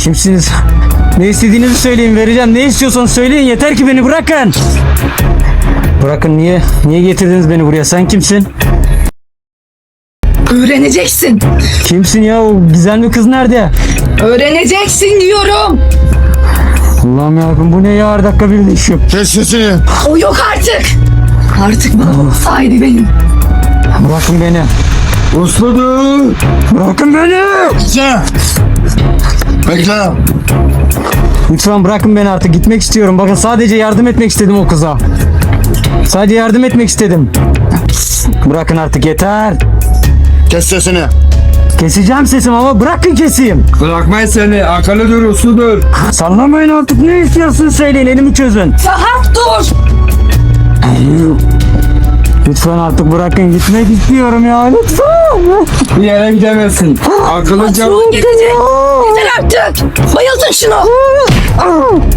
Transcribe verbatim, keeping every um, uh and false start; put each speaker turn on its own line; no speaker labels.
Kimsiniz? Ne istediğinizi söyleyin, vereceğim. Ne istiyorsanız söyleyin, yeter ki beni bırakın. Bırakın, niye? Niye getirdiniz beni buraya? Sen kimsin?
Öğreneceksin.
Kimsin ya? O gizemli kız nerede?
Öğreneceksin diyorum.
Allah'ım yarabbim, bu ne ya? Her dakika bir değişiyor.
Kes sesini.
O yok artık. Artık babamın sahibi benim.
Bırakın beni.
Usludur.
Bırakın beni.
Bekle. Bekle.
Lütfen bırakın beni artık. Gitmek istiyorum. Bakın, sadece yardım etmek istedim o kıza. Sadece yardım etmek istedim. Bırakın artık, yeter.
Kes sesini.
Keseceğim sesimi ama bırakın keseyim.
Bırakmayın seni. Akıllıdır, usludur.
Sallamayın artık, ne istiyorsun söyleyin, elimi çözün.
Ferhat dur.
Lütfen artık bırakın, gitmek istiyorum ya, lütfen.
Bir yere gidemezsin. Akıllıca...
Patron gidecek. Yeter artık. Bayıltın şunu.